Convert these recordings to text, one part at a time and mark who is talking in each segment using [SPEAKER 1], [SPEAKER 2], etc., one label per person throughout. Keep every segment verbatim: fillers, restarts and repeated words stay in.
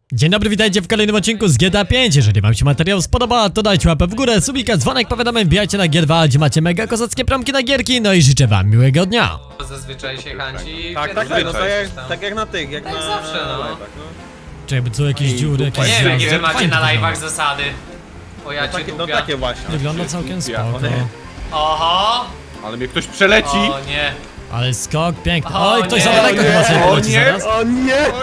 [SPEAKER 1] Dzień dobry, witajcie w kolejnym odcinku z G T A pięć. Jeżeli wam się materiał spodoba, to dajcie łapę w górę, subika, dzwonek, powiadomień, wbijajcie na G dwa, gdzie macie mega kozackie promki na gierki. No i życzę wam miłego dnia.
[SPEAKER 2] Zazwyczaj się chęci.
[SPEAKER 3] Tak, tak, tak, no tak jak, tak jak na tych, jak
[SPEAKER 2] Tak
[SPEAKER 3] na
[SPEAKER 2] zawsze, no.
[SPEAKER 3] live'ach, no.
[SPEAKER 1] Czy jakby co, jakieś dziury, jakieś
[SPEAKER 2] Nie wiem,
[SPEAKER 1] zjazdy?
[SPEAKER 2] jakie wy macie
[SPEAKER 1] Fajnie
[SPEAKER 2] na
[SPEAKER 1] to
[SPEAKER 2] live'ach
[SPEAKER 1] wygląda.
[SPEAKER 2] zasady. O ja
[SPEAKER 3] No
[SPEAKER 2] cię
[SPEAKER 3] takie, no
[SPEAKER 2] dupia.
[SPEAKER 3] takie właśnie.
[SPEAKER 1] Wygląda całkiem spoko.
[SPEAKER 3] One-
[SPEAKER 2] Oho!
[SPEAKER 4] Ale mnie ktoś przeleci!
[SPEAKER 2] O nie.
[SPEAKER 1] Ale skok piękny.
[SPEAKER 2] O
[SPEAKER 1] Oj, ktoś
[SPEAKER 2] nie,
[SPEAKER 1] za daleko
[SPEAKER 3] o
[SPEAKER 1] chyba
[SPEAKER 3] nie,
[SPEAKER 1] sobie
[SPEAKER 4] o
[SPEAKER 1] poleci
[SPEAKER 4] nie.
[SPEAKER 1] zaraz.
[SPEAKER 3] O nie!
[SPEAKER 4] O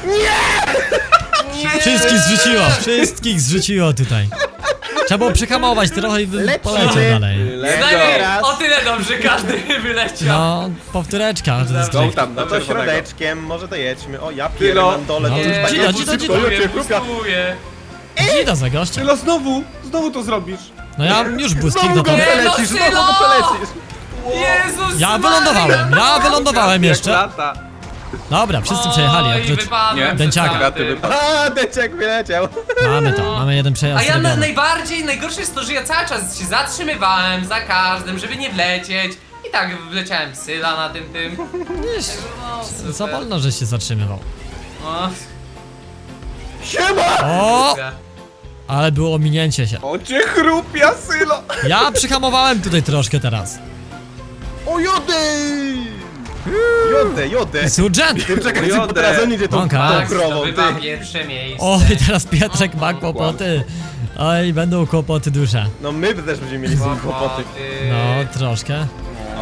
[SPEAKER 4] nie!
[SPEAKER 1] Wszystkich zrzuciło, wszystkich zrzuciło tutaj. Trzeba było przyhamować trochę i bym
[SPEAKER 3] Lecimy.
[SPEAKER 1] poleciał dalej.
[SPEAKER 2] Znajmniej
[SPEAKER 3] raz.
[SPEAKER 2] o tyle dobrze każdy wyleciał.
[SPEAKER 1] No, powtóreczka, to jest
[SPEAKER 4] Go
[SPEAKER 1] drift.
[SPEAKER 4] tam, na
[SPEAKER 3] No to
[SPEAKER 4] czerwonego.
[SPEAKER 3] środeczkiem, może to jedźmy. O, ja
[SPEAKER 4] Tylo.
[SPEAKER 3] pierdolę dole,
[SPEAKER 1] No,
[SPEAKER 3] to już
[SPEAKER 1] dzida,
[SPEAKER 3] tak
[SPEAKER 1] dzida,
[SPEAKER 3] jest
[SPEAKER 1] dzida.
[SPEAKER 3] szybko,
[SPEAKER 2] Bustuję,
[SPEAKER 3] ludzie, kruka.
[SPEAKER 2] bustuję.
[SPEAKER 1] Dzida za gościa.
[SPEAKER 4] Tylo, znowu! Znowu to zrobisz!
[SPEAKER 1] No ja już błyskik
[SPEAKER 3] Znowu
[SPEAKER 1] do
[SPEAKER 3] go
[SPEAKER 1] to.
[SPEAKER 2] Nie, no,
[SPEAKER 3] przelecisz, znowu
[SPEAKER 2] Sylo!
[SPEAKER 3] go przelecisz.
[SPEAKER 2] Jezus
[SPEAKER 1] Ja
[SPEAKER 2] Maria!
[SPEAKER 1] wylądowałem, ja wylądowałem
[SPEAKER 4] Jak
[SPEAKER 1] jeszcze.
[SPEAKER 4] lata.
[SPEAKER 1] Dobra, wszyscy przejechali,
[SPEAKER 2] Oj,
[SPEAKER 1] oprócz...
[SPEAKER 2] wypadłem
[SPEAKER 4] Nie,
[SPEAKER 1] Dęciaka.
[SPEAKER 2] przed
[SPEAKER 4] Gaty
[SPEAKER 2] tamtym.
[SPEAKER 4] wypadł.
[SPEAKER 3] A, deczek wyleciał.
[SPEAKER 1] Mamy to, mamy jeden
[SPEAKER 2] A
[SPEAKER 1] przejazd
[SPEAKER 2] ja na,
[SPEAKER 1] zrobiony.
[SPEAKER 2] najbardziej, najgorsze jest to, że ja cały czas się zatrzymywałem za każdym, żeby nie wlecieć. I tak wleciałem w Syla na tym tym. No, super.
[SPEAKER 1] Za wolno, że się zatrzymywał.
[SPEAKER 2] No,
[SPEAKER 3] Siema!
[SPEAKER 1] O, ale było ominięcie się.
[SPEAKER 4] O cię chrupia, Sylo!
[SPEAKER 1] Ja przyhamowałem tutaj troszkę teraz.
[SPEAKER 3] O, jodę! Jodę, jodę.
[SPEAKER 1] Surgent!
[SPEAKER 3] Ty czekaj,
[SPEAKER 4] Jodę.
[SPEAKER 3] bo teraz on idzie tą,
[SPEAKER 1] Bąka.
[SPEAKER 3] tą
[SPEAKER 2] tak,
[SPEAKER 3] krową,
[SPEAKER 2] zdobywa
[SPEAKER 3] ty.
[SPEAKER 2] pierwsze miejsce.
[SPEAKER 1] O, i teraz Pietrek ma kłopoty. Oj, będą kłopoty duże.
[SPEAKER 3] No my też będziemy mieli z nim kłopoty.
[SPEAKER 1] No, troszkę.
[SPEAKER 3] O,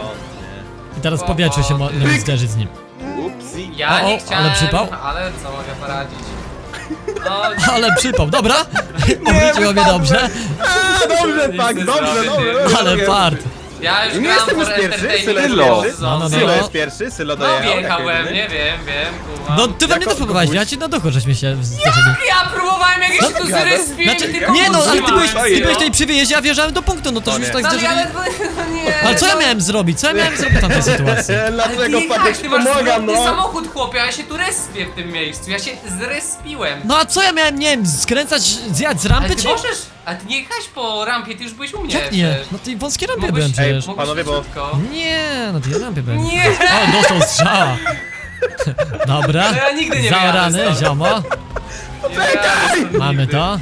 [SPEAKER 1] I teraz w powietrzu się można zderzyć z nim.
[SPEAKER 4] Upsi.
[SPEAKER 2] Ja
[SPEAKER 1] O,
[SPEAKER 2] nie
[SPEAKER 1] o,
[SPEAKER 2] chciałem,
[SPEAKER 1] ale przypał?
[SPEAKER 2] ale co mogę poradzić? No,
[SPEAKER 1] Ale przypał, dobra? Obróciło mnie dobrze.
[SPEAKER 3] A, dobrze,
[SPEAKER 2] Nic
[SPEAKER 3] tak,
[SPEAKER 2] nie
[SPEAKER 3] dobrze,
[SPEAKER 2] zrobię,
[SPEAKER 3] dobrze.
[SPEAKER 2] ty.
[SPEAKER 1] Ale fart.
[SPEAKER 2] ja już
[SPEAKER 3] Nie
[SPEAKER 2] gram
[SPEAKER 3] jestem
[SPEAKER 2] for
[SPEAKER 3] już pierwszy,
[SPEAKER 2] entertainment
[SPEAKER 3] Sylo jest
[SPEAKER 2] pierwszy
[SPEAKER 3] pierwszy.
[SPEAKER 2] sezon.
[SPEAKER 1] No, no, no.
[SPEAKER 3] Sylo jest pierwszy, Sylo
[SPEAKER 2] No
[SPEAKER 3] dojechał.
[SPEAKER 2] wjechał
[SPEAKER 3] jako
[SPEAKER 2] we
[SPEAKER 3] jedyny.
[SPEAKER 2] mnie, wiem, wiem, kumam.
[SPEAKER 1] No, ty we mnie
[SPEAKER 3] Jako
[SPEAKER 1] też próbowałeś,
[SPEAKER 3] kogoś?
[SPEAKER 1] ja ci na duchu żeśmy się zderzyli.
[SPEAKER 2] Ja próbowałem jak
[SPEAKER 1] Co
[SPEAKER 2] się tu
[SPEAKER 3] ty gadasz?
[SPEAKER 2] zrespiłem,
[SPEAKER 1] Znaczy,
[SPEAKER 2] tylko
[SPEAKER 1] nie no, ale ty byłeś,
[SPEAKER 2] utrzymałem.
[SPEAKER 1] ty byłeś tutaj przy wyjeździe, a wjeżdżałem do punktu, no to
[SPEAKER 3] O
[SPEAKER 1] już
[SPEAKER 3] nie.
[SPEAKER 1] tak
[SPEAKER 2] No ale,
[SPEAKER 1] zderzyli.
[SPEAKER 2] ale no nie.
[SPEAKER 1] Ale co ja
[SPEAKER 2] no.
[SPEAKER 1] miałem zrobić? Co ja miałem zrobić w tamtej sytuacji?
[SPEAKER 2] Ale ty
[SPEAKER 3] Dlaczego
[SPEAKER 2] jechałeś,
[SPEAKER 3] Patek
[SPEAKER 2] ty masz
[SPEAKER 3] pomagam,
[SPEAKER 2] zwrotny
[SPEAKER 3] no?
[SPEAKER 2] samochód, chłopie, a ja się tu respię w tym miejscu. Ja się zrespiłem.
[SPEAKER 1] No a co ja miałem, nie wiem, skręcać, zjechać z
[SPEAKER 2] Ale
[SPEAKER 1] rampy
[SPEAKER 2] ty
[SPEAKER 1] czy?
[SPEAKER 2] możesz, a ty nie jechałeś po rampie, ty już byłeś u mnie.
[SPEAKER 1] Jak nie?
[SPEAKER 2] przecież.
[SPEAKER 1] No tej wąskiej rampie
[SPEAKER 2] Mogłeś-
[SPEAKER 1] byłem
[SPEAKER 2] Ej,
[SPEAKER 1] przecież.
[SPEAKER 2] mogłeś
[SPEAKER 3] Panowie, bo-
[SPEAKER 2] szybciutko.
[SPEAKER 1] Nie, no tej rampie byłem.
[SPEAKER 2] Nie!
[SPEAKER 1] O, dostał strzała. Dobra,
[SPEAKER 2] No ja nigdy nie
[SPEAKER 1] zaorany,
[SPEAKER 2] wyjadę stąd.
[SPEAKER 1] ziomo.
[SPEAKER 2] Czekaj!
[SPEAKER 1] Mamy to.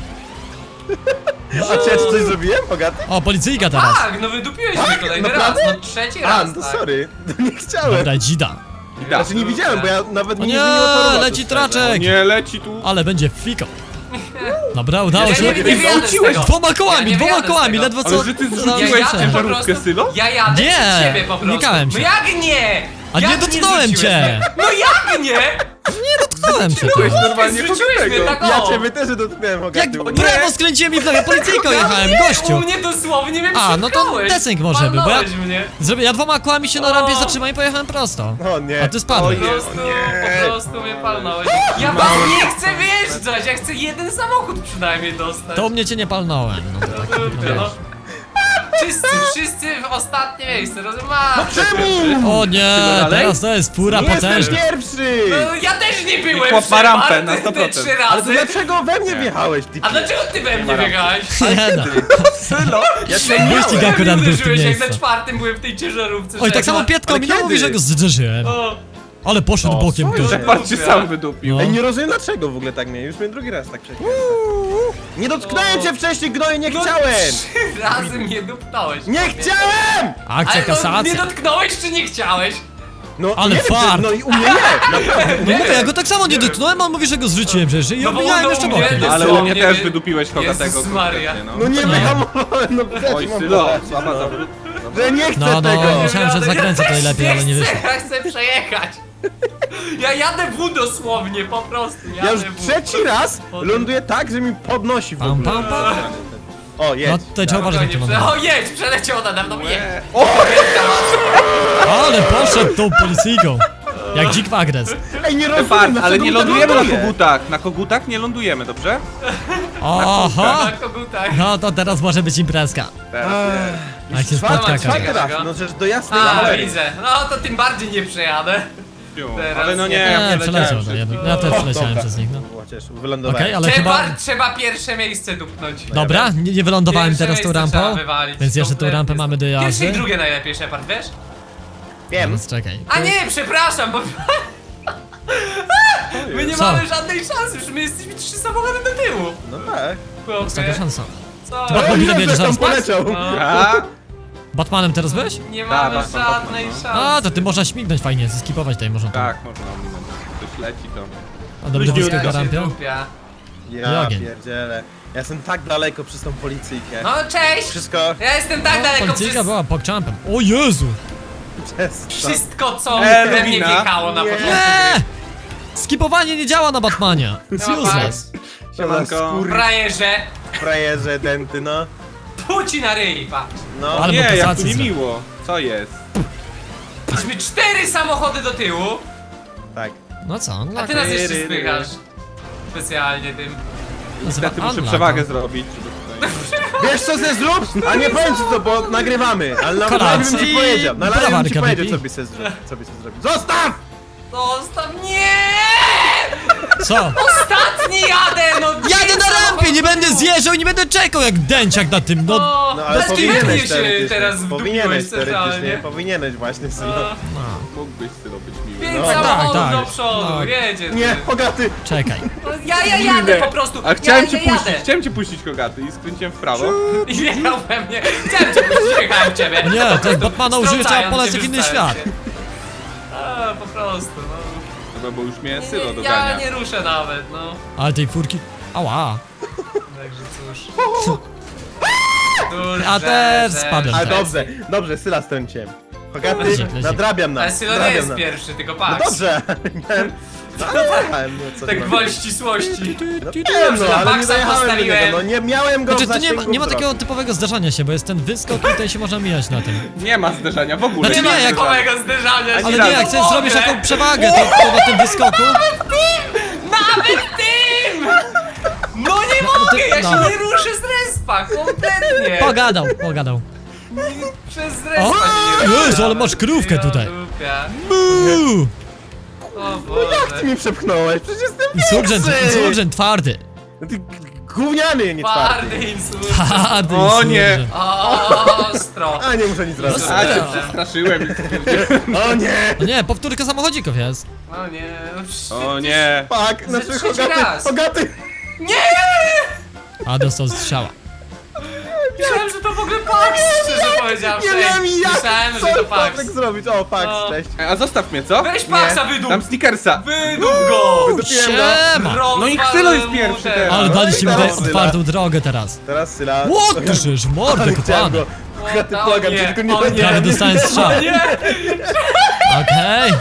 [SPEAKER 3] A czy ja ci coś zrobiłem, Bogaty?
[SPEAKER 1] O, policyjka teraz.
[SPEAKER 2] Tak, no wydupiłeś mnie kolejny raz,
[SPEAKER 3] naprawdę?
[SPEAKER 2] no trzeci
[SPEAKER 3] A,
[SPEAKER 2] raz,
[SPEAKER 3] no to
[SPEAKER 2] tak.
[SPEAKER 3] sorry. No nie chciałem.
[SPEAKER 1] Dobra, dzida.
[SPEAKER 3] Znaczy nie widziałem, bo ja nawet
[SPEAKER 1] O
[SPEAKER 3] nie
[SPEAKER 1] nie,
[SPEAKER 3] zmieniło toru.
[SPEAKER 1] leci traczek.
[SPEAKER 4] Nie leci tu.
[SPEAKER 1] Ale będzie fiko. Dobra, udało
[SPEAKER 2] Ja
[SPEAKER 1] się.
[SPEAKER 2] nie, nie wyjadę z tego.
[SPEAKER 1] Dwoma kołami,
[SPEAKER 2] Ja nie
[SPEAKER 1] dwoma
[SPEAKER 2] wyjadę z
[SPEAKER 1] kołami,
[SPEAKER 2] tego.
[SPEAKER 1] ledwo co.
[SPEAKER 4] Ale że ty
[SPEAKER 2] Ja
[SPEAKER 4] zrzuciłeś
[SPEAKER 2] jadę po
[SPEAKER 4] ciężarówkę,
[SPEAKER 2] prostu.
[SPEAKER 4] Sylo?
[SPEAKER 2] Ja jadę
[SPEAKER 1] Nie,
[SPEAKER 2] przed ciebie po prostu.
[SPEAKER 1] unikałem
[SPEAKER 2] No
[SPEAKER 1] cię.
[SPEAKER 2] jak nie?
[SPEAKER 1] A nie
[SPEAKER 2] Jak
[SPEAKER 1] dotknąłem
[SPEAKER 2] zrzuciłeś
[SPEAKER 1] cię.
[SPEAKER 2] mnie? No jak nie?
[SPEAKER 1] Dotknąłem cię.
[SPEAKER 4] Byłeś
[SPEAKER 1] to.
[SPEAKER 4] normalnie
[SPEAKER 2] Zrzuciłeś
[SPEAKER 4] kogo
[SPEAKER 2] mnie
[SPEAKER 4] tego.
[SPEAKER 2] tak o.
[SPEAKER 3] Ja ciebie też dotknąłem,
[SPEAKER 1] Jak
[SPEAKER 3] Bogaty.
[SPEAKER 1] brawo skręciłem i w nogę, policyjką jechałem,
[SPEAKER 2] Nie,
[SPEAKER 1] gościu.
[SPEAKER 2] u mnie dosłownie mnie
[SPEAKER 1] A, no to
[SPEAKER 2] przepchałeś.
[SPEAKER 1] desynk może był, bo ja-
[SPEAKER 2] Palnąłeś mnie.
[SPEAKER 1] Zrobię, ja dwoma kołami się na
[SPEAKER 2] O.
[SPEAKER 1] rampie zatrzymałem i pojechałem prosto.
[SPEAKER 3] O nie.
[SPEAKER 1] A ty spadłeś.
[SPEAKER 2] Po prostu, po prostu mnie palnąłeś. Ja was nie chcę wyjeżdżać, ja chcę jeden samochód przynajmniej dostać.
[SPEAKER 1] To u mnie cię nie palnąłem. No to tak, no
[SPEAKER 2] Dupie,
[SPEAKER 1] wiesz.
[SPEAKER 2] no. Wszyscy, wszyscy w ostatnie miejsce, rozumiesz? No
[SPEAKER 3] Czemu?
[SPEAKER 1] O nie,
[SPEAKER 4] dalej?
[SPEAKER 1] teraz to jest fura
[SPEAKER 3] Nie jestem
[SPEAKER 1] potężna.
[SPEAKER 3] pierwszy!
[SPEAKER 2] No, ja też nie byłem
[SPEAKER 4] chłop ma rampę
[SPEAKER 2] Shepard,
[SPEAKER 4] na
[SPEAKER 2] te
[SPEAKER 4] sto procent.
[SPEAKER 2] trzy
[SPEAKER 3] Ale to
[SPEAKER 2] razy.
[SPEAKER 3] dlaczego we mnie wjechałeś, ty?
[SPEAKER 2] A dlaczego ty we mnie biegałeś?
[SPEAKER 1] Nie no.
[SPEAKER 4] Sylo!
[SPEAKER 3] Ja cię
[SPEAKER 1] Wyścig
[SPEAKER 3] miałem.
[SPEAKER 1] akurat był w tym
[SPEAKER 2] Uderzyłeś, jak
[SPEAKER 1] miejscu.
[SPEAKER 2] na czwartym byłem w tej ciężarówce.
[SPEAKER 1] Oj, tak
[SPEAKER 2] że
[SPEAKER 1] samo
[SPEAKER 2] jak
[SPEAKER 1] Pietko
[SPEAKER 3] Ale
[SPEAKER 1] mi nie mówi,
[SPEAKER 3] kiedy?
[SPEAKER 1] że go zderzyłem.
[SPEAKER 2] ma- O,
[SPEAKER 1] Ale poszedł
[SPEAKER 3] O,
[SPEAKER 1] bokiem
[SPEAKER 3] co
[SPEAKER 1] tu.
[SPEAKER 3] jest?
[SPEAKER 4] Shepard cię sam wydupił.
[SPEAKER 1] No.
[SPEAKER 3] Ej, nie rozumiem dlaczego w ogóle tak mnie. Już mnie drugi raz tak przeciąłem. Nie dotknąłem cię wcześniej, gnoju, nie
[SPEAKER 2] no,
[SPEAKER 3] chciałem!
[SPEAKER 2] trzy razy mnie duptałeś.
[SPEAKER 3] Nie chciałem!
[SPEAKER 1] Akcja
[SPEAKER 2] Ale no, nie
[SPEAKER 1] kasacja.
[SPEAKER 2] dotknąłeś czy nie chciałeś?
[SPEAKER 3] No,
[SPEAKER 1] Ale
[SPEAKER 3] nie wiem,
[SPEAKER 1] fart.
[SPEAKER 3] czy- No i u mnie nie, naprawdę.
[SPEAKER 1] No mówię, ja go tak samo nie dotknąłem, a on mówi, że go zrzuciłem przecież i
[SPEAKER 2] No bo
[SPEAKER 1] obijałem
[SPEAKER 2] no
[SPEAKER 1] jeszcze
[SPEAKER 2] u mnie
[SPEAKER 1] bokiem.
[SPEAKER 2] to-
[SPEAKER 4] Ale u mnie
[SPEAKER 2] Dosłownie,
[SPEAKER 4] też
[SPEAKER 2] wie-
[SPEAKER 4] wydupiłeś kogatego.
[SPEAKER 2] Jezus Maria.
[SPEAKER 4] No.
[SPEAKER 3] No nie
[SPEAKER 1] Nie.
[SPEAKER 3] wyhamowałem, no przecież
[SPEAKER 4] Oj,
[SPEAKER 3] mam
[SPEAKER 4] Sylo,
[SPEAKER 3] powiedzieć,
[SPEAKER 4] słaba
[SPEAKER 3] no.
[SPEAKER 4] zawrót.
[SPEAKER 3] Że nie chcę
[SPEAKER 1] No, no,
[SPEAKER 3] tego!
[SPEAKER 1] myślałem, że
[SPEAKER 2] Ja
[SPEAKER 1] zakręcę
[SPEAKER 2] też
[SPEAKER 1] tutaj lepiej, ale nie wyszło.
[SPEAKER 2] chcę, Ja chcę przejechać. Ja jadę w dosłownie, po prostu. Jadę
[SPEAKER 3] Ja już
[SPEAKER 2] w.
[SPEAKER 3] trzeci raz ląduję tak, że mi podnosi w
[SPEAKER 1] Pam,
[SPEAKER 3] ogóle.
[SPEAKER 1] pam, pam.
[SPEAKER 3] O,
[SPEAKER 1] No
[SPEAKER 3] jedź.
[SPEAKER 1] tutaj trzeba uważać na tym
[SPEAKER 2] Spokojnie,
[SPEAKER 1] momencie.
[SPEAKER 2] prze- O jedź, przeleciał nade mną, jedź.
[SPEAKER 1] Ale poszedł tą policyjką. Jak dzik w agres.
[SPEAKER 3] Ej, nie rozumiem,
[SPEAKER 4] Shepard, ale
[SPEAKER 3] dlaczego
[SPEAKER 4] nie
[SPEAKER 3] mi tak
[SPEAKER 4] lądujemy na
[SPEAKER 3] ląduje?
[SPEAKER 4] kogutach. Na kogutach nie lądujemy, dobrze?
[SPEAKER 1] Oho!
[SPEAKER 2] Na kogutach.
[SPEAKER 1] No to teraz może być imprezka.
[SPEAKER 4] Teraz nie.
[SPEAKER 1] Jak się
[SPEAKER 3] Czwarty,
[SPEAKER 1] spotka
[SPEAKER 3] czwarty
[SPEAKER 1] każdy.
[SPEAKER 3] raz, no przecież do jasnej
[SPEAKER 2] A,
[SPEAKER 3] cholery.
[SPEAKER 2] widzę. No to tym bardziej nie przejadę. Teraz
[SPEAKER 4] Ale no nie,
[SPEAKER 2] nie.
[SPEAKER 4] ja
[SPEAKER 1] Nie,
[SPEAKER 4] nie
[SPEAKER 1] przeleciał
[SPEAKER 4] leciałem
[SPEAKER 1] to jeden.
[SPEAKER 4] wszystko.
[SPEAKER 1] Ja też
[SPEAKER 3] O,
[SPEAKER 1] przeleciałem
[SPEAKER 3] dobra.
[SPEAKER 1] przez nich, no.
[SPEAKER 3] O, ciesz, wylądowałem.
[SPEAKER 1] Okej, ale
[SPEAKER 2] Trzeba,
[SPEAKER 1] chyba...
[SPEAKER 2] trzeba pierwsze miejsce dupnąć.
[SPEAKER 1] Dobra, nie, nie wylądowałem
[SPEAKER 2] Pierwsze
[SPEAKER 1] teraz tą
[SPEAKER 2] miejsce trzeba
[SPEAKER 1] rampą.
[SPEAKER 2] wywalić,
[SPEAKER 1] Więc jeszcze tą
[SPEAKER 2] kompletnie.
[SPEAKER 1] rampę mamy do
[SPEAKER 2] Pierwsze
[SPEAKER 1] jazdy.
[SPEAKER 2] i drugie najlepiej, Shepard, wiesz?
[SPEAKER 3] Wiem.
[SPEAKER 1] Więc czekaj.
[SPEAKER 2] A nie, przepraszam, bo... My nie
[SPEAKER 1] Co?
[SPEAKER 2] mamy żadnej szansy, że my jesteśmy trzy samochody do tyłu.
[SPEAKER 3] No tak.
[SPEAKER 1] Jest taka szansa.
[SPEAKER 2] Co?
[SPEAKER 1] Dobra.
[SPEAKER 3] O,
[SPEAKER 1] ile
[SPEAKER 3] ile
[SPEAKER 1] bierzesz
[SPEAKER 3] tam
[SPEAKER 1] zaraz,
[SPEAKER 3] poleciał?
[SPEAKER 2] No.
[SPEAKER 4] A?
[SPEAKER 1] Batmanem teraz byłeś?
[SPEAKER 2] Nie
[SPEAKER 4] Da,
[SPEAKER 2] mamy
[SPEAKER 4] Batman,
[SPEAKER 2] żadnej
[SPEAKER 4] Batman,
[SPEAKER 2] szansy.
[SPEAKER 1] A, to ty można śmignąć fajnie, zeskipować tutaj można.
[SPEAKER 4] Tak, można ominąć. Ktoś leci to.
[SPEAKER 1] A dobrze
[SPEAKER 3] Luźniutko.
[SPEAKER 1] wyskiego
[SPEAKER 2] Ja się
[SPEAKER 1] rampia.
[SPEAKER 2] dupia.
[SPEAKER 3] Ja
[SPEAKER 1] Ogień.
[SPEAKER 3] pierdzielę. Ja jestem tak daleko przez tą policyjkę.
[SPEAKER 2] No cześć!
[SPEAKER 3] Wszystko
[SPEAKER 2] Ja jestem tak
[SPEAKER 1] O,
[SPEAKER 2] daleko
[SPEAKER 1] policyjka
[SPEAKER 2] przez
[SPEAKER 1] była pogczampem. O Jezu!
[SPEAKER 3] przez to.
[SPEAKER 2] wszystko, co
[SPEAKER 4] E,
[SPEAKER 2] we mnie
[SPEAKER 4] Lewina.
[SPEAKER 2] wjechało na
[SPEAKER 3] Nie.
[SPEAKER 2] początku.
[SPEAKER 1] Nie! Skipowanie nie działa na Batmanie. It's
[SPEAKER 2] No
[SPEAKER 1] useless.
[SPEAKER 4] Siemanko.
[SPEAKER 3] Kur...
[SPEAKER 2] Frajerze,
[SPEAKER 3] frajerze, denty, no.
[SPEAKER 2] puci na ryj, patrz.
[SPEAKER 3] No.
[SPEAKER 1] Ale
[SPEAKER 4] Nie, jak tu
[SPEAKER 1] motocyzm.
[SPEAKER 4] niemiło. Co jest?
[SPEAKER 2] Mieliśmy cztery samochody do tyłu,
[SPEAKER 3] Tak.
[SPEAKER 1] No co?
[SPEAKER 2] a
[SPEAKER 1] No,
[SPEAKER 2] ty nas jeszcze
[SPEAKER 3] Tyry, ryry.
[SPEAKER 2] spychasz. Specjalnie tym.
[SPEAKER 4] Niestety muszę
[SPEAKER 1] Unlock.
[SPEAKER 4] przewagę zrobić, żeby tutaj...
[SPEAKER 3] Wiesz co ze zrób? A nie powiem ci co, bo nagrywamy. Ale na
[SPEAKER 1] Kolacji
[SPEAKER 3] live bym ci powiedział. Na live bym ci
[SPEAKER 1] brawarka,
[SPEAKER 3] powiedział,
[SPEAKER 1] baby.
[SPEAKER 3] co byś se zrobił. Co byś se zrobił. Zostaw!
[SPEAKER 2] Zostaw, nie!
[SPEAKER 1] Co?
[SPEAKER 2] Ostatni jadę, no
[SPEAKER 1] Jadę na rampie, nie będę zjeżdżał i nie będę czekał jak dęciak na tym, no.
[SPEAKER 2] No,
[SPEAKER 3] No ale
[SPEAKER 2] bez kitu
[SPEAKER 3] powinieneś
[SPEAKER 2] się
[SPEAKER 3] teoretycznie.
[SPEAKER 2] teraz
[SPEAKER 3] Powinieneś
[SPEAKER 2] wdupiłeś
[SPEAKER 3] teoretycznie.
[SPEAKER 2] centralnie.
[SPEAKER 3] Powinieneś właśnie synu.
[SPEAKER 1] no.
[SPEAKER 4] Mógłbyś Sylo być miły.
[SPEAKER 2] Pięć
[SPEAKER 3] No,
[SPEAKER 2] samochodów
[SPEAKER 1] tak, tak.
[SPEAKER 2] do przodu,
[SPEAKER 1] Tak.
[SPEAKER 2] wiecie.
[SPEAKER 3] Nie, Bogaty!
[SPEAKER 1] Czekaj.
[SPEAKER 2] No, ja, ja jadę po prostu,
[SPEAKER 4] A chciałem
[SPEAKER 2] ja,
[SPEAKER 4] cię
[SPEAKER 2] ja
[SPEAKER 4] puścić,
[SPEAKER 2] jadę.
[SPEAKER 4] chciałem cię puścić Kogaty i skręciłem w prawo.
[SPEAKER 2] I wjechał we mnie, chciałem cię puścić, jechałem w ciebie.
[SPEAKER 1] Nie, to jest Batmana użyje, trzeba
[SPEAKER 2] Strącając
[SPEAKER 1] polecieć
[SPEAKER 2] się,
[SPEAKER 1] w inny
[SPEAKER 2] wyrzucając
[SPEAKER 1] świat.
[SPEAKER 2] się. A, po prostu, no.
[SPEAKER 4] Dobra, bo już mnie
[SPEAKER 2] Nie,
[SPEAKER 4] Sylo
[SPEAKER 2] nie, ja
[SPEAKER 4] dogania.
[SPEAKER 2] nie ruszę nawet, no.
[SPEAKER 1] Ale tej furki... Ała.
[SPEAKER 2] Także cóż. Cóż,
[SPEAKER 1] A
[SPEAKER 2] że-
[SPEAKER 1] też
[SPEAKER 2] że-
[SPEAKER 1] spadłem
[SPEAKER 3] Ale
[SPEAKER 1] teraz.
[SPEAKER 3] dobrze, dobrze, Syla strąciłem. Bogaty,
[SPEAKER 1] Lecik, lecik.
[SPEAKER 3] nadrabiam nam.
[SPEAKER 2] Ale Sylo nie
[SPEAKER 3] nadrabiam
[SPEAKER 2] jest
[SPEAKER 3] nam.
[SPEAKER 2] pierwszy, tylko
[SPEAKER 3] No
[SPEAKER 2] Pax.
[SPEAKER 3] dobrze, miałem... No, jechałem, no co
[SPEAKER 2] Tak
[SPEAKER 3] ty
[SPEAKER 2] gwoli
[SPEAKER 3] mam.
[SPEAKER 2] ścisłości.
[SPEAKER 3] No wiem, no,
[SPEAKER 2] na
[SPEAKER 3] ale nie
[SPEAKER 2] Maxa
[SPEAKER 3] dojechałem do
[SPEAKER 2] postawiłem.
[SPEAKER 3] niego, no nie miałem go
[SPEAKER 1] Znaczy,
[SPEAKER 3] w
[SPEAKER 1] tu nie ma,
[SPEAKER 3] zasięgu
[SPEAKER 1] nie ma
[SPEAKER 3] wzroku.
[SPEAKER 1] takiego typowego zderzania się, bo jest ten wyskok i tutaj się można mijać na tym.
[SPEAKER 4] Nie ma zderzenia w ogóle.
[SPEAKER 1] Znaczy
[SPEAKER 2] Nie
[SPEAKER 1] nie,
[SPEAKER 2] ma
[SPEAKER 1] jak-
[SPEAKER 2] typowego zderzania.
[SPEAKER 1] Ale
[SPEAKER 2] się
[SPEAKER 1] nie,
[SPEAKER 2] na
[SPEAKER 1] jak chcesz
[SPEAKER 2] pomogę.
[SPEAKER 1] zrobisz taką przewagę, to, to na tym wyskoku...
[SPEAKER 2] Nawet tym! No nie mogę, ja się
[SPEAKER 1] no.
[SPEAKER 2] nie ruszę z respa, kompletnie.
[SPEAKER 1] Pogadał, pogadał.
[SPEAKER 2] Przez respa
[SPEAKER 1] O,
[SPEAKER 2] się nie ruszę.
[SPEAKER 1] Jezu, ale masz krówkę
[SPEAKER 2] Ja
[SPEAKER 1] tutaj.
[SPEAKER 2] dupia.
[SPEAKER 1] Uuu.
[SPEAKER 2] O
[SPEAKER 3] Ty
[SPEAKER 2] Boże.
[SPEAKER 3] mi przepchnąłeś, przecież jestem
[SPEAKER 1] Insurgent,
[SPEAKER 3] większy!
[SPEAKER 1] insurgent twardy.
[SPEAKER 3] No ty gówniany, nie twardy.
[SPEAKER 2] Twardy insulт.
[SPEAKER 1] Twardy
[SPEAKER 4] O nie.
[SPEAKER 1] insurgent.
[SPEAKER 2] Ostro.
[SPEAKER 3] A nie muszę nic zrobić.
[SPEAKER 4] A się przestraszyłem.
[SPEAKER 3] O nie!
[SPEAKER 1] O nie, powtórka samochodzików jest.
[SPEAKER 2] O nie.
[SPEAKER 4] O nie.
[SPEAKER 3] Fuck,
[SPEAKER 2] Ze
[SPEAKER 3] znaczy
[SPEAKER 2] trzeci
[SPEAKER 3] Hogaty,
[SPEAKER 2] raz.
[SPEAKER 3] Hogaty!
[SPEAKER 2] Nie!
[SPEAKER 1] A dostał strzała.
[SPEAKER 2] Myślałem, że to w ogóle Pax, szczerze powiedziawszy.
[SPEAKER 3] Nie wiem jak,
[SPEAKER 2] Myślałem,
[SPEAKER 3] co
[SPEAKER 2] że to Pax.
[SPEAKER 3] tak zrobić. O, Pax,
[SPEAKER 2] No.
[SPEAKER 3] cześć.
[SPEAKER 4] A zostaw mnie, co?
[SPEAKER 2] Weź Paxa, wydup!
[SPEAKER 4] Tam Snickersa.
[SPEAKER 2] Wydup go!
[SPEAKER 3] Wydupiłem go.
[SPEAKER 1] Siema!
[SPEAKER 4] No i
[SPEAKER 2] Rozwal
[SPEAKER 4] Ksylo jest
[SPEAKER 2] mu
[SPEAKER 4] pierwszy
[SPEAKER 2] ten-
[SPEAKER 4] teraz.
[SPEAKER 1] Ale
[SPEAKER 3] No
[SPEAKER 1] daliście
[SPEAKER 3] i
[SPEAKER 1] mi
[SPEAKER 3] teraz
[SPEAKER 1] tutaj
[SPEAKER 3] Syla.
[SPEAKER 1] otwartą drogę teraz.
[SPEAKER 3] Teraz Syla.
[SPEAKER 1] Ło, ty żyjesz, mordę
[SPEAKER 3] Chciałem
[SPEAKER 1] kopany.
[SPEAKER 3] go. Hogaty,
[SPEAKER 2] O,
[SPEAKER 3] błagam
[SPEAKER 2] nie,
[SPEAKER 3] cię, tylko nie
[SPEAKER 2] o, nie.
[SPEAKER 3] nie,
[SPEAKER 1] Prawie
[SPEAKER 3] nie.
[SPEAKER 1] dostałem strzał.
[SPEAKER 2] Nie!
[SPEAKER 1] Okej.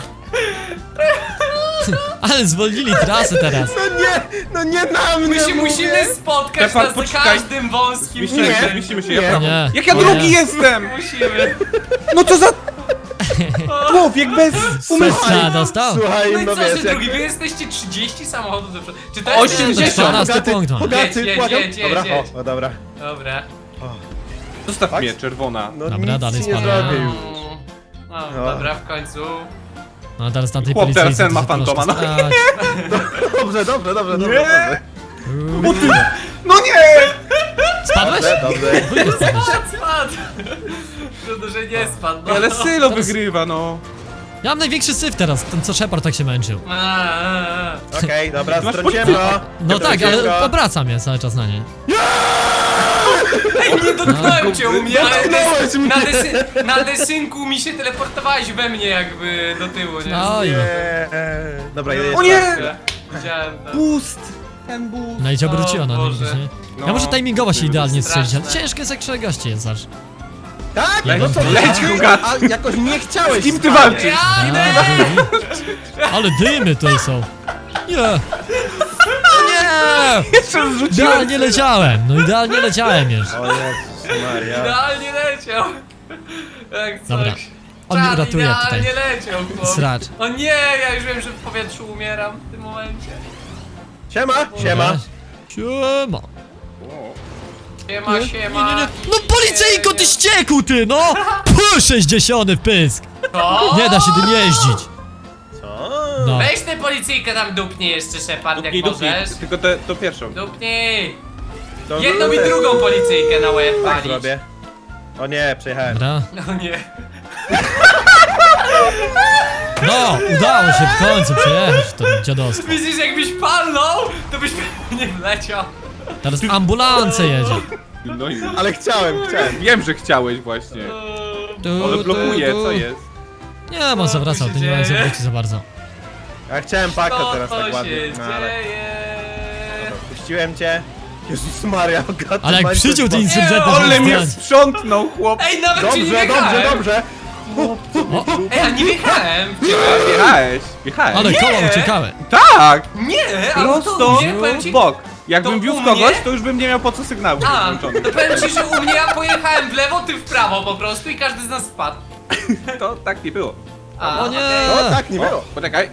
[SPEAKER 1] Ale zwolnili trasę teraz.
[SPEAKER 3] No nie, no nie na mnie
[SPEAKER 2] My się
[SPEAKER 3] mówię.
[SPEAKER 2] musimy spotkać
[SPEAKER 4] Stefan,
[SPEAKER 2] na za
[SPEAKER 4] poczekaj.
[SPEAKER 2] każdym wąskim
[SPEAKER 4] Zmieścimy
[SPEAKER 3] Nie.
[SPEAKER 4] się, zmieścimy się, ja
[SPEAKER 3] Nie.
[SPEAKER 4] prawo.
[SPEAKER 1] Nie.
[SPEAKER 4] Jak ja
[SPEAKER 1] O
[SPEAKER 4] drugi
[SPEAKER 1] nie.
[SPEAKER 4] jestem!
[SPEAKER 2] Musimy.
[SPEAKER 4] No to za... Człowiek bez umysłu.
[SPEAKER 1] Strzała dostał?
[SPEAKER 3] Słuchaj,
[SPEAKER 2] No i
[SPEAKER 3] no
[SPEAKER 2] co,
[SPEAKER 3] wiesz,
[SPEAKER 2] że
[SPEAKER 3] jak...
[SPEAKER 2] drugi? Wy jesteście trzydzieści samochodów do przodu. Czy to jest...
[SPEAKER 4] osiemdziesiąt.
[SPEAKER 1] czternasty
[SPEAKER 3] Hogaty,
[SPEAKER 1] punkt mam.
[SPEAKER 3] Hogaty,
[SPEAKER 2] Jedź, jedź,
[SPEAKER 3] błagam.
[SPEAKER 2] jedź, jedź,
[SPEAKER 3] Dobra,
[SPEAKER 2] jedź.
[SPEAKER 3] o, o, dobra.
[SPEAKER 2] Dobra.
[SPEAKER 4] Zostaw
[SPEAKER 3] Tak?
[SPEAKER 4] mnie, czerwona.
[SPEAKER 3] No
[SPEAKER 1] Dobra,
[SPEAKER 3] nic
[SPEAKER 1] dalej
[SPEAKER 3] ci nie
[SPEAKER 1] spadam.
[SPEAKER 3] zrobię już.
[SPEAKER 2] No,
[SPEAKER 3] No.
[SPEAKER 2] dobra, w końcu.
[SPEAKER 1] No teraz tamtej
[SPEAKER 4] Chłop
[SPEAKER 1] policji...
[SPEAKER 4] teraz ten ma fantoma, no.
[SPEAKER 3] Dobrze, dobrze, dobrze, dobrze.
[SPEAKER 4] Nie! No nie!
[SPEAKER 1] Spadłeś?
[SPEAKER 3] Dobrze, dobrze.
[SPEAKER 1] Wujek spadłeś.
[SPEAKER 2] Spadł, spadł. Trudno, że nie spadł. No.
[SPEAKER 4] Ale Sylo wygrywa, no.
[SPEAKER 1] Ja mam największy syf teraz, ten co Shepard tak się męczył.
[SPEAKER 2] A, a, a.
[SPEAKER 3] Okej, dobra,
[SPEAKER 4] Ty masz
[SPEAKER 3] strąciłem
[SPEAKER 4] policję.
[SPEAKER 3] go.
[SPEAKER 1] No tak,
[SPEAKER 3] Strąciłem
[SPEAKER 1] ale
[SPEAKER 3] go.
[SPEAKER 1] obracam je cały czas na niej.
[SPEAKER 2] Ej, nie dotknąłem cię u mnie, ale
[SPEAKER 3] Dotknąłeś
[SPEAKER 2] des,
[SPEAKER 3] mnie.
[SPEAKER 2] na, desy, na desynku mi się teleportowałeś we mnie jakby do tyłu, nie?
[SPEAKER 1] No i...
[SPEAKER 3] Nie. Dobra, jedę
[SPEAKER 4] O nie!
[SPEAKER 3] jeszcze.
[SPEAKER 2] Widziałem to.
[SPEAKER 4] Boost! Ten boost.
[SPEAKER 1] No i cię obróciła na nim
[SPEAKER 2] Boże.
[SPEAKER 1] gdzieś, nie?
[SPEAKER 4] No.
[SPEAKER 1] Ja może timingowo się idealnie strzelić, ale
[SPEAKER 2] Straszne.
[SPEAKER 1] ciężko jest jak trzech gości jest aż.
[SPEAKER 3] Tak?
[SPEAKER 1] Leć,
[SPEAKER 3] No co,
[SPEAKER 1] leć,
[SPEAKER 3] leć,
[SPEAKER 4] Hogaty.
[SPEAKER 3] A jakoś nie chciałeś.
[SPEAKER 4] Z kim ty
[SPEAKER 3] spać.
[SPEAKER 4] walczysz?
[SPEAKER 2] Ja idę!
[SPEAKER 1] Ale dymy tutaj są. Nie! Nie!
[SPEAKER 4] Jeszcze zrzuciłem.
[SPEAKER 1] Idealnie leciałem, no idealnie leciałem już.
[SPEAKER 3] O Jezus Maria.
[SPEAKER 2] Idealnie leciał. Jak coś.
[SPEAKER 1] Dobra. On mnie
[SPEAKER 2] Czad
[SPEAKER 1] uratuje
[SPEAKER 2] idealnie
[SPEAKER 1] tutaj.
[SPEAKER 2] leciał, chłop.
[SPEAKER 1] Sracz.
[SPEAKER 2] O nie, ja już wiem, że w powietrzu umieram w tym momencie.
[SPEAKER 3] Siema, siema.
[SPEAKER 1] Siema.
[SPEAKER 2] Siema,
[SPEAKER 1] Nie,
[SPEAKER 2] siema.
[SPEAKER 1] nie, nie. No policyjko, ty ściekł ty, no! Puh, sześćdziesiąty w pysk.
[SPEAKER 2] Co?
[SPEAKER 1] Nie da się tym jeździć.
[SPEAKER 3] Co?
[SPEAKER 1] No.
[SPEAKER 2] Weź tę policyjkę tam dupnij jeszcze, Shepard, jak
[SPEAKER 4] Dupnij, dupnij.
[SPEAKER 2] możesz.
[SPEAKER 4] Tylko te, to pierwszą.
[SPEAKER 2] Dupnij.
[SPEAKER 3] To
[SPEAKER 2] Jedną i
[SPEAKER 3] też.
[SPEAKER 2] drugą policyjkę na łeb
[SPEAKER 3] Tak
[SPEAKER 2] palić.
[SPEAKER 3] zrobię. O nie, przejechałem.
[SPEAKER 1] Dobra.
[SPEAKER 2] No nie.
[SPEAKER 1] No, udało się w końcu przejechać to dziadostwo.
[SPEAKER 2] Widzisz, jakbyś palnął, to byś nie wleciał.
[SPEAKER 1] Teraz ambulancja jedzie.
[SPEAKER 4] No i...
[SPEAKER 3] Ale chciałem, chciałem.
[SPEAKER 4] Wiem, że chciałeś właśnie.
[SPEAKER 1] Tu,
[SPEAKER 4] Ale
[SPEAKER 1] tu,
[SPEAKER 4] blokuje,
[SPEAKER 1] tu.
[SPEAKER 4] co jest?
[SPEAKER 1] Nie, on zawracał,
[SPEAKER 2] się
[SPEAKER 1] ty nie ma
[SPEAKER 2] dzieje?
[SPEAKER 1] zawrócić za bardzo.
[SPEAKER 3] Ja chciałem paka
[SPEAKER 2] Co
[SPEAKER 3] teraz
[SPEAKER 2] to
[SPEAKER 3] tak
[SPEAKER 2] się
[SPEAKER 3] ładnie. No, ale...
[SPEAKER 2] dzieje?
[SPEAKER 3] Dobra, puściłem cię. Jezus Maria, gata,
[SPEAKER 1] Ale jak
[SPEAKER 3] Mańce
[SPEAKER 1] przyciął
[SPEAKER 3] z
[SPEAKER 1] ten
[SPEAKER 3] boku.
[SPEAKER 1] insurgent, to
[SPEAKER 4] Ale mnie
[SPEAKER 1] zdjąć.
[SPEAKER 4] sprzątnął, chłop!
[SPEAKER 2] Ej, nawet ci nie
[SPEAKER 3] Dobrze, dobrze,
[SPEAKER 2] wjechałem.
[SPEAKER 3] dobrze.
[SPEAKER 2] Ej, a nie wjechałem.
[SPEAKER 4] Wjechałeś, wjechałeś.
[SPEAKER 1] Ale koła
[SPEAKER 2] Nie.
[SPEAKER 1] uciekały.
[SPEAKER 4] Tak!
[SPEAKER 2] Nie, ale to
[SPEAKER 4] Prosto
[SPEAKER 2] u mnie, powiem
[SPEAKER 4] w
[SPEAKER 2] ci...
[SPEAKER 4] bok. Jakbym
[SPEAKER 2] to
[SPEAKER 4] wiózł
[SPEAKER 2] u
[SPEAKER 4] kogoś,
[SPEAKER 2] mnie-
[SPEAKER 4] to już bym nie miał po co sygnału
[SPEAKER 2] A,
[SPEAKER 4] włączony.
[SPEAKER 2] to powiem ci, że u mnie ja pojechałem w lewo, ty w prawo po prostu i każdy z nas spadł.
[SPEAKER 4] To tak nie było.
[SPEAKER 2] A,
[SPEAKER 1] O nie!
[SPEAKER 2] okej.
[SPEAKER 3] No tak, nie było.
[SPEAKER 4] O, poczekaj.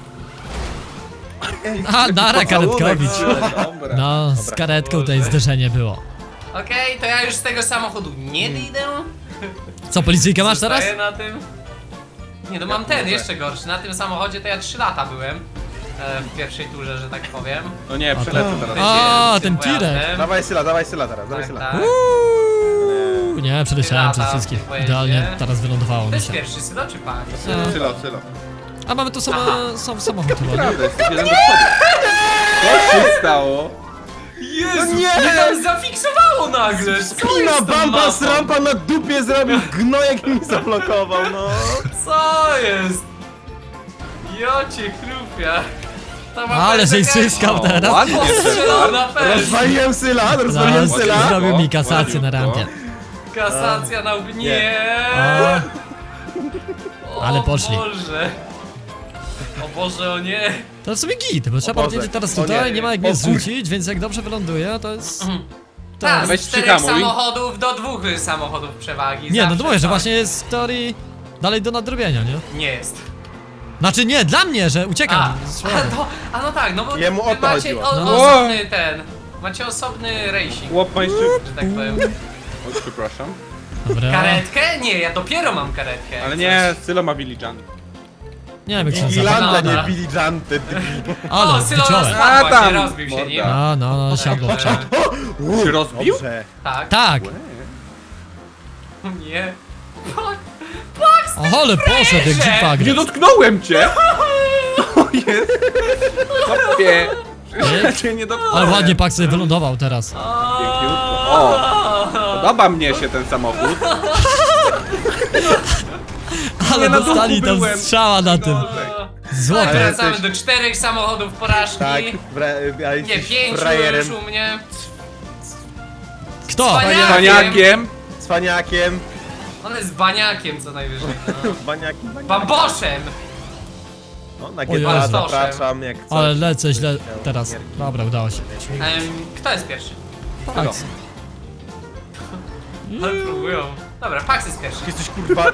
[SPEAKER 1] A, nara karetkowicz.
[SPEAKER 4] Dobra.
[SPEAKER 1] No, z karetką tutaj zderzenie było.
[SPEAKER 2] Okej, to ja już z tego samochodu nie wyjdę.
[SPEAKER 1] Co, policyjkę masz teraz?
[SPEAKER 2] Zostaję na tym. Nie, no mam ten jeszcze gorszy. Na tym samochodzie to ja trzy lata byłem. E, w pierwszej turze, że tak powiem.
[SPEAKER 4] No nie, przelecę teraz.
[SPEAKER 1] A,
[SPEAKER 2] Jeździłem
[SPEAKER 1] ten
[SPEAKER 2] tym
[SPEAKER 1] tirek.
[SPEAKER 2] pojazdem.
[SPEAKER 3] Dawaj Syla, dawaj Syla teraz, dawaj
[SPEAKER 2] Tak,
[SPEAKER 3] Syla.
[SPEAKER 2] tak.
[SPEAKER 1] Uuu, nie, przeleciałem
[SPEAKER 2] Lata
[SPEAKER 1] przez
[SPEAKER 2] w
[SPEAKER 1] wszystkich.
[SPEAKER 2] tym pojeździe.
[SPEAKER 1] Idealnie teraz wylądowało
[SPEAKER 2] To
[SPEAKER 1] mi
[SPEAKER 2] jest
[SPEAKER 1] się.
[SPEAKER 2] pierwszy sylo czy pak?
[SPEAKER 1] No.
[SPEAKER 4] Sylo, sylo.
[SPEAKER 1] A mamy tu same, sam samochód chyba, nie?
[SPEAKER 4] Prawda, jest jeden do przodu. Co się stało?
[SPEAKER 2] Jezu,
[SPEAKER 3] nie!
[SPEAKER 2] mnie tam zafiksowało nagle! Co
[SPEAKER 3] Spina,
[SPEAKER 2] jest z tą
[SPEAKER 3] bamba,
[SPEAKER 2] mapą?
[SPEAKER 3] srampa na dupie zrobił, gnojek mi zablokował, no.
[SPEAKER 2] Co jest? Jocie chrupia. Ta mapa
[SPEAKER 1] Ale
[SPEAKER 2] jest
[SPEAKER 1] żeś
[SPEAKER 2] jakaś
[SPEAKER 1] zyskał
[SPEAKER 4] O,
[SPEAKER 1] teraz.
[SPEAKER 4] ładnie,
[SPEAKER 2] postrzelona
[SPEAKER 4] Cezar.
[SPEAKER 2] pewnie.
[SPEAKER 3] Rozwaliłem Syla, rozwaliłem
[SPEAKER 1] Zaraz
[SPEAKER 3] Syla.
[SPEAKER 1] zrobił mi kasację na rampie.
[SPEAKER 2] Kasacja na łbie. Nie.
[SPEAKER 1] O,
[SPEAKER 2] O
[SPEAKER 1] ale poszli.
[SPEAKER 2] Boże. O Boże, o nie.
[SPEAKER 1] to w sumie git, bo trzeba
[SPEAKER 3] Boże.
[SPEAKER 1] podjeździć teraz
[SPEAKER 3] O
[SPEAKER 1] tutaj,
[SPEAKER 3] nie.
[SPEAKER 1] nie ma jak
[SPEAKER 3] O
[SPEAKER 1] mnie
[SPEAKER 3] kur-
[SPEAKER 1] zrzucić, więc jak dobrze wyląduje, to jest...
[SPEAKER 2] Tak,
[SPEAKER 4] Weź
[SPEAKER 2] z czterech
[SPEAKER 4] przyhamuj.
[SPEAKER 2] samochodów do dwóch samochodów przewagi.
[SPEAKER 1] Nie, no
[SPEAKER 2] Zawsze
[SPEAKER 1] to mówię, że
[SPEAKER 2] tak.
[SPEAKER 1] właśnie jest w teorii dalej do nadrobienia, nie?
[SPEAKER 2] Nie jest.
[SPEAKER 1] Znaczy nie, dla mnie, że uciekam.
[SPEAKER 2] A,
[SPEAKER 1] Słabo.
[SPEAKER 2] a, to, a no tak, no bo
[SPEAKER 3] Jemu o
[SPEAKER 2] wy
[SPEAKER 3] to
[SPEAKER 2] macie
[SPEAKER 3] chodziło.
[SPEAKER 2] o,
[SPEAKER 1] No.
[SPEAKER 2] osobny ten. Macie osobny racing,
[SPEAKER 4] Chłop ma jeszcze...
[SPEAKER 2] że tak powiem.
[SPEAKER 4] O, przepraszam.
[SPEAKER 1] Dobra.
[SPEAKER 2] Karetkę? Nie, ja dopiero mam karetkę. jak
[SPEAKER 4] Ale
[SPEAKER 2] coś.
[SPEAKER 4] nie, Sylo ma Village.
[SPEAKER 1] Nie wiem jak się nazywa.
[SPEAKER 3] Vigilante,
[SPEAKER 2] Dobra.
[SPEAKER 3] nie Vigilante.
[SPEAKER 1] Ale
[SPEAKER 2] O, Sylo
[SPEAKER 1] wyczułem.
[SPEAKER 2] spadł
[SPEAKER 4] A,
[SPEAKER 2] właśnie,
[SPEAKER 4] tam,
[SPEAKER 2] rozbił się
[SPEAKER 4] morda.
[SPEAKER 2] nim.
[SPEAKER 1] No, no, no, siadło.
[SPEAKER 2] Także-
[SPEAKER 4] Się rozbił?
[SPEAKER 3] Dobrze.
[SPEAKER 2] Tak.
[SPEAKER 1] Tak.
[SPEAKER 2] Nie.
[SPEAKER 1] O, ale poszedł jak dziwa
[SPEAKER 4] Nie
[SPEAKER 1] gry.
[SPEAKER 4] dotknąłem cię! O jest! Kopie! Ja cię nie dotknąłem.
[SPEAKER 1] Ale ładnie Pak sobie wylądował teraz.
[SPEAKER 4] Piękniutko. O! Podoba mnie się ten samochód.
[SPEAKER 1] Ale
[SPEAKER 4] na duchu
[SPEAKER 1] dostali tam
[SPEAKER 4] byłem.
[SPEAKER 1] strzała na tym. Złote.
[SPEAKER 3] Ale
[SPEAKER 2] Wracamy
[SPEAKER 3] jesteś-
[SPEAKER 2] do czterech samochodów porażki.
[SPEAKER 3] Tak, bra, ale
[SPEAKER 2] Nie,
[SPEAKER 3] jesteś
[SPEAKER 2] pięciu
[SPEAKER 3] frajerem,
[SPEAKER 2] już u mnie.
[SPEAKER 1] Kto?
[SPEAKER 2] Wspaniale.
[SPEAKER 4] Paniakiem.
[SPEAKER 3] cwaniakiem,
[SPEAKER 2] On jest baniakiem co najwyżej. No.
[SPEAKER 3] baniakiem, baniakiem.
[SPEAKER 2] Bamboszem!
[SPEAKER 3] No, na
[SPEAKER 1] O
[SPEAKER 3] G dwa
[SPEAKER 1] Jezu.
[SPEAKER 3] zapraszam, jak coś.
[SPEAKER 1] Ale lecę źle teraz. Dobra, udało się.
[SPEAKER 2] Em, kto jest pierwszy?
[SPEAKER 1] Tak.
[SPEAKER 2] Ale próbują. Dobra, Pax jest pierwszy.
[SPEAKER 3] Jesteś kurwa,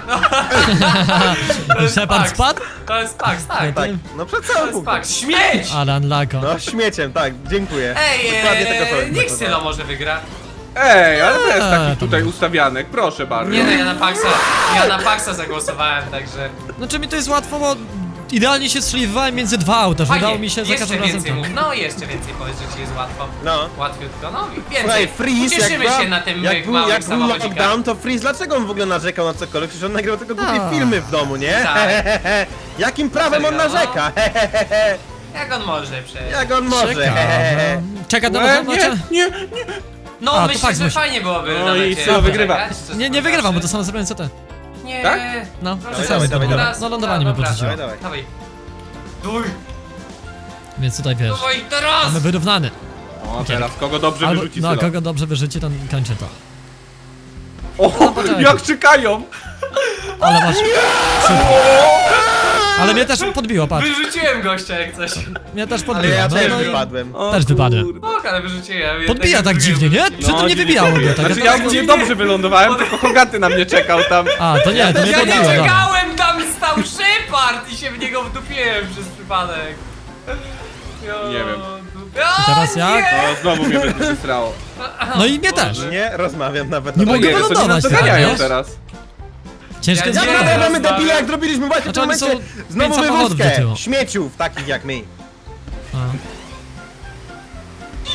[SPEAKER 2] To jest
[SPEAKER 1] Shepard
[SPEAKER 2] Pax.
[SPEAKER 1] spadł?
[SPEAKER 2] To jest Pax, tak.
[SPEAKER 3] tak, no przed
[SPEAKER 2] To
[SPEAKER 3] całym
[SPEAKER 2] jest
[SPEAKER 3] punktem.
[SPEAKER 2] Pax. Śmieć!
[SPEAKER 1] Alan Lako.
[SPEAKER 3] No śmieciem, tak, dziękuję.
[SPEAKER 2] Ej,
[SPEAKER 3] Dokładnie tego
[SPEAKER 2] ee,
[SPEAKER 3] samego.
[SPEAKER 2] niech Sylo może wygra.
[SPEAKER 4] Ej, ale to jest
[SPEAKER 1] Eee,
[SPEAKER 4] taki
[SPEAKER 1] tam-
[SPEAKER 4] tutaj ustawianek, proszę bardzo.
[SPEAKER 2] Nie no, ja na Paxa, ja na Paxa zagłosowałem, także...
[SPEAKER 1] Znaczy mi to jest łatwo, bo idealnie się strzeliwałem między dwa auta, że
[SPEAKER 2] Fajnie,
[SPEAKER 1] udało mi się za
[SPEAKER 2] jeszcze
[SPEAKER 1] każdym razem
[SPEAKER 2] więcej
[SPEAKER 1] to.
[SPEAKER 2] mów. No jeszcze więcej powiedz, że ci jest łatwo.
[SPEAKER 3] No.
[SPEAKER 2] Łatwiutko, no i
[SPEAKER 3] Słuchaj,
[SPEAKER 2] więcej.
[SPEAKER 3] Freeze, jak,
[SPEAKER 2] Ucieszymy
[SPEAKER 3] była,
[SPEAKER 2] się na tym
[SPEAKER 3] jak, był,
[SPEAKER 2] małym
[SPEAKER 3] jak był
[SPEAKER 2] samochodzikach.
[SPEAKER 3] lockdown, to Freeze, dlaczego on w ogóle narzekał na cokolwiek? Przecież on nagrywał tylko głupie
[SPEAKER 1] Tak.
[SPEAKER 3] filmy w domu, nie?
[SPEAKER 2] Tak.
[SPEAKER 3] Jakim prawem on
[SPEAKER 2] Serio, no?
[SPEAKER 3] narzeka?
[SPEAKER 2] Jak on może przecież?
[SPEAKER 3] Jak on może?
[SPEAKER 1] Ciekawe. Czeka na
[SPEAKER 4] Łe,
[SPEAKER 1] was,
[SPEAKER 4] nie, nie, nie.
[SPEAKER 2] No
[SPEAKER 1] A, to
[SPEAKER 2] myślę,
[SPEAKER 1] Pax
[SPEAKER 2] że
[SPEAKER 1] musi.
[SPEAKER 2] fajnie byłoby
[SPEAKER 4] No
[SPEAKER 2] na
[SPEAKER 4] i
[SPEAKER 2] mecie
[SPEAKER 4] Sylo wygrywa.
[SPEAKER 2] poczekać, co
[SPEAKER 1] Nie, nie
[SPEAKER 2] to
[SPEAKER 1] wygrywam, bo
[SPEAKER 2] znaczy.
[SPEAKER 1] to samo zrobiłem co ty.
[SPEAKER 2] Nie.
[SPEAKER 4] Tak?
[SPEAKER 1] No,
[SPEAKER 2] Proszę,
[SPEAKER 1] to samo
[SPEAKER 3] dawaj,
[SPEAKER 1] zrobiłem.
[SPEAKER 3] dawaj.
[SPEAKER 1] No lądowanie mnie
[SPEAKER 2] Dobra.
[SPEAKER 1] podrzuciło.
[SPEAKER 3] Dawaj, dawaj.
[SPEAKER 2] Dawaj. Duj,
[SPEAKER 1] Więc tutaj wiesz.
[SPEAKER 2] dawaj teraz!
[SPEAKER 1] Mamy wyrównany.
[SPEAKER 4] O, teraz kogo dobrze
[SPEAKER 1] Albo,
[SPEAKER 4] wyrzuci
[SPEAKER 1] no,
[SPEAKER 4] Sylo.
[SPEAKER 1] kogo dobrze wyrzuci, to kończy to.
[SPEAKER 4] O,
[SPEAKER 1] poczekaj.
[SPEAKER 4] jak czekają!
[SPEAKER 1] Ale masz... Ale mnie też podbiło, patrz.
[SPEAKER 2] Wyrzuciłem gościa jak coś.
[SPEAKER 1] Mnie też
[SPEAKER 3] Ale
[SPEAKER 1] podbiło.
[SPEAKER 3] ja
[SPEAKER 1] No,
[SPEAKER 3] też
[SPEAKER 1] no i
[SPEAKER 3] wypadłem.
[SPEAKER 4] O,
[SPEAKER 1] Też wypadłem.
[SPEAKER 4] kurde.
[SPEAKER 2] Ok, ale wyrzuciłem.
[SPEAKER 1] podbija
[SPEAKER 2] jednego
[SPEAKER 1] tak
[SPEAKER 2] drugiego
[SPEAKER 1] dziwnie, nie?
[SPEAKER 2] wyrzuciłem.
[SPEAKER 1] Przy tym nie
[SPEAKER 4] dziwnie
[SPEAKER 1] wybijało
[SPEAKER 4] podbija.
[SPEAKER 1] go tak.
[SPEAKER 4] Znaczy
[SPEAKER 1] ja
[SPEAKER 4] ja
[SPEAKER 1] tak-
[SPEAKER 4] ogólnie dobrze wylądowałem, tylko Hogaty na mnie czekał tam.
[SPEAKER 1] A, to nie, to mnie
[SPEAKER 2] Ja nie
[SPEAKER 1] podbiło, dobra.
[SPEAKER 2] czekałem, tam stał Shepard i się w niego wdupiłem przez przypadek. Jo,
[SPEAKER 4] Nie wiem.
[SPEAKER 2] dupia-
[SPEAKER 1] I teraz
[SPEAKER 2] O,
[SPEAKER 1] jak?
[SPEAKER 2] nie!
[SPEAKER 4] O, znowu mnie wysrało.
[SPEAKER 1] No i mnie też.
[SPEAKER 3] Nie rozmawiam nawet
[SPEAKER 1] Nie
[SPEAKER 3] na
[SPEAKER 1] mogę
[SPEAKER 3] temat.
[SPEAKER 4] Nie, to nie nas
[SPEAKER 1] wylądować teraz,
[SPEAKER 4] doganiają
[SPEAKER 1] wiesz?
[SPEAKER 4] teraz.
[SPEAKER 1] Ciężko
[SPEAKER 2] Ja
[SPEAKER 1] jest
[SPEAKER 2] nie
[SPEAKER 3] Ja
[SPEAKER 2] wiem.
[SPEAKER 1] wygrać.
[SPEAKER 3] mamy debile, jak zrobiliśmy właśnie w
[SPEAKER 1] Znaczy,
[SPEAKER 3] tym
[SPEAKER 1] oni są
[SPEAKER 3] momencie
[SPEAKER 1] pięć
[SPEAKER 3] znowu
[SPEAKER 1] samochodów do
[SPEAKER 3] wywózkę
[SPEAKER 1] tyłu.
[SPEAKER 3] śmieciów takich jak my.
[SPEAKER 1] A.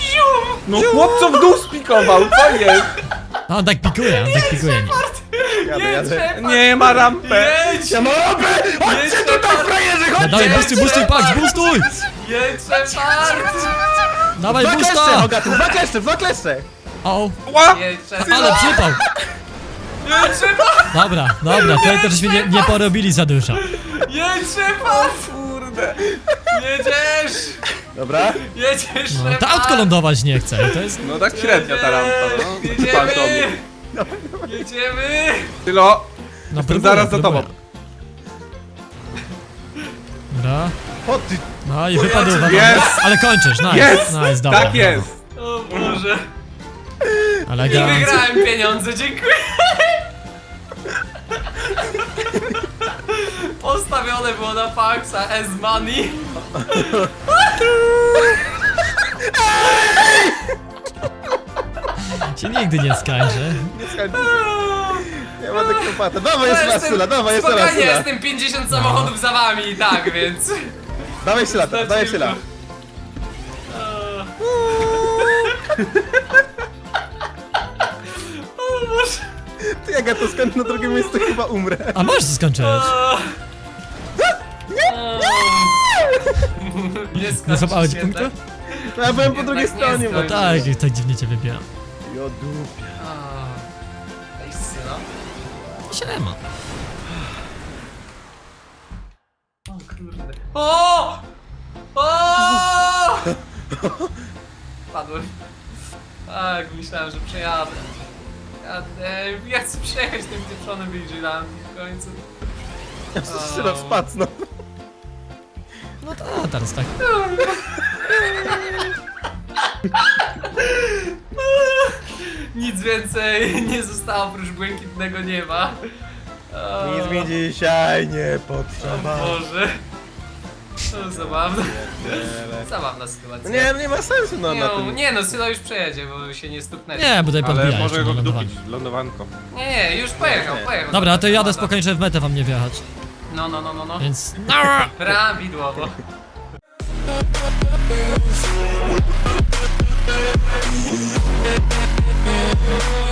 [SPEAKER 4] No chłopco w dół spikował, co jest?
[SPEAKER 1] A on tak pikuje, on tak pikuje.
[SPEAKER 3] Jadę,
[SPEAKER 2] Jedź,
[SPEAKER 3] jadę.
[SPEAKER 2] Shepard!
[SPEAKER 4] Nie ma rampę.
[SPEAKER 2] Jedź!
[SPEAKER 3] Ja mam rampę! Chodźcie
[SPEAKER 2] Jedź,
[SPEAKER 3] tutaj,
[SPEAKER 2] Shepard!
[SPEAKER 3] frajerzy,
[SPEAKER 1] No
[SPEAKER 3] chodźcie!
[SPEAKER 1] dawaj, boostuj, boostuj, patrz, boostuj!
[SPEAKER 2] Jedź, Shepard!
[SPEAKER 1] Dawaj,
[SPEAKER 3] Dwa kleszcze,
[SPEAKER 1] boosta!
[SPEAKER 3] Hogaty, dwa kleszcze, dwa kleszcze!
[SPEAKER 1] O,
[SPEAKER 4] Ła!
[SPEAKER 2] Jedź, Shepard!
[SPEAKER 1] ale przypał!
[SPEAKER 2] Jedź, Shepard!
[SPEAKER 1] Dobra, dobra, tutaj to żeśmy nie, nie porobili za dużo.
[SPEAKER 2] Jedź, Shepard!
[SPEAKER 4] Kurde.
[SPEAKER 2] Jedziesz!
[SPEAKER 3] Dobra.
[SPEAKER 2] Jedziesz,
[SPEAKER 1] No,
[SPEAKER 2] Shepard!
[SPEAKER 1] to autko lądować nie chce, to jest...
[SPEAKER 4] No tak średnio ta rampa, no. Fantomie.
[SPEAKER 2] Jedziemy! Jedziemy!
[SPEAKER 4] Tylo,
[SPEAKER 1] No,
[SPEAKER 4] jestem
[SPEAKER 1] próbuję,
[SPEAKER 4] zaraz za
[SPEAKER 1] próbuję.
[SPEAKER 4] tobą.
[SPEAKER 1] Dobra,
[SPEAKER 3] O ty,
[SPEAKER 1] no i wypadł uwaga.
[SPEAKER 4] Jest!
[SPEAKER 1] Ale kończysz, nice,
[SPEAKER 4] Jest!
[SPEAKER 1] nice, dobra.
[SPEAKER 4] Tak jest!
[SPEAKER 2] O Boże! I
[SPEAKER 1] Elegancko.
[SPEAKER 2] wygrałem pieniądze, dziękuję! Postawione było na faksa as money.
[SPEAKER 1] Się nigdy nie skończy.
[SPEAKER 3] nie skończy się. Ja będę kropata. Dawaj jeszcze raz,
[SPEAKER 2] Jestem-
[SPEAKER 3] Syla, dawaj jeszcze raz,
[SPEAKER 2] Spokojnie,
[SPEAKER 3] Syla.
[SPEAKER 2] jestem pięćdziesiąt samochodów za wami i tak, więc...
[SPEAKER 3] Dawaj Syla, dawaj Syla.
[SPEAKER 2] O Boże!
[SPEAKER 3] Ty, jak ja to skończę na drugim miejscu, chyba umrę.
[SPEAKER 1] A możesz to skończyć.
[SPEAKER 2] Nie
[SPEAKER 1] Nie
[SPEAKER 2] skończy
[SPEAKER 1] złapałeś
[SPEAKER 2] się,
[SPEAKER 1] punktu?
[SPEAKER 2] tak?
[SPEAKER 3] No ja byłem po
[SPEAKER 2] Jednak
[SPEAKER 3] drugiej
[SPEAKER 2] nie
[SPEAKER 3] stronie, bo...
[SPEAKER 2] skończy.
[SPEAKER 1] Tak, tak dziwnie cię wybiera.
[SPEAKER 3] Jodu.
[SPEAKER 2] A. Ej, syno.
[SPEAKER 1] Siema.
[SPEAKER 2] O kurde. O! O! Padłem. Tak, myślałem, że przejadę. Jadę. Ja chcę przejechać tym pieprzonym Vigilante w końcu.
[SPEAKER 3] Syla spadł, no.
[SPEAKER 1] No to teraz tak.
[SPEAKER 2] Nic więcej nie zostało oprócz błękitnego nieba. O,
[SPEAKER 3] Nic mi dzisiaj nie
[SPEAKER 2] o
[SPEAKER 3] potrzeba.
[SPEAKER 2] Boże. To zabawne.
[SPEAKER 3] Nie,
[SPEAKER 2] Zabawna sytuacja.
[SPEAKER 3] nie, nie ma sensu, no,
[SPEAKER 2] nie,
[SPEAKER 3] na
[SPEAKER 2] no,
[SPEAKER 3] tym.
[SPEAKER 2] nie no, Sylo już przejedzie, bo się nie stuknęli.
[SPEAKER 1] Nie, bo tutaj
[SPEAKER 4] Ale
[SPEAKER 1] podbijaj
[SPEAKER 4] może
[SPEAKER 1] jeszcze
[SPEAKER 4] go
[SPEAKER 1] na lądowanie.
[SPEAKER 4] wdupić lądowanko.
[SPEAKER 2] Nie, nie, już pojechał,
[SPEAKER 3] Nie.
[SPEAKER 2] pojechał.
[SPEAKER 1] Dobra, to jadę
[SPEAKER 2] Dobra.
[SPEAKER 1] spokojnie, żeby w metę wam nie wjechać.
[SPEAKER 2] No, no, no, no, no.
[SPEAKER 1] Więc...
[SPEAKER 2] Prawidłowo.
[SPEAKER 5] We'll be right back.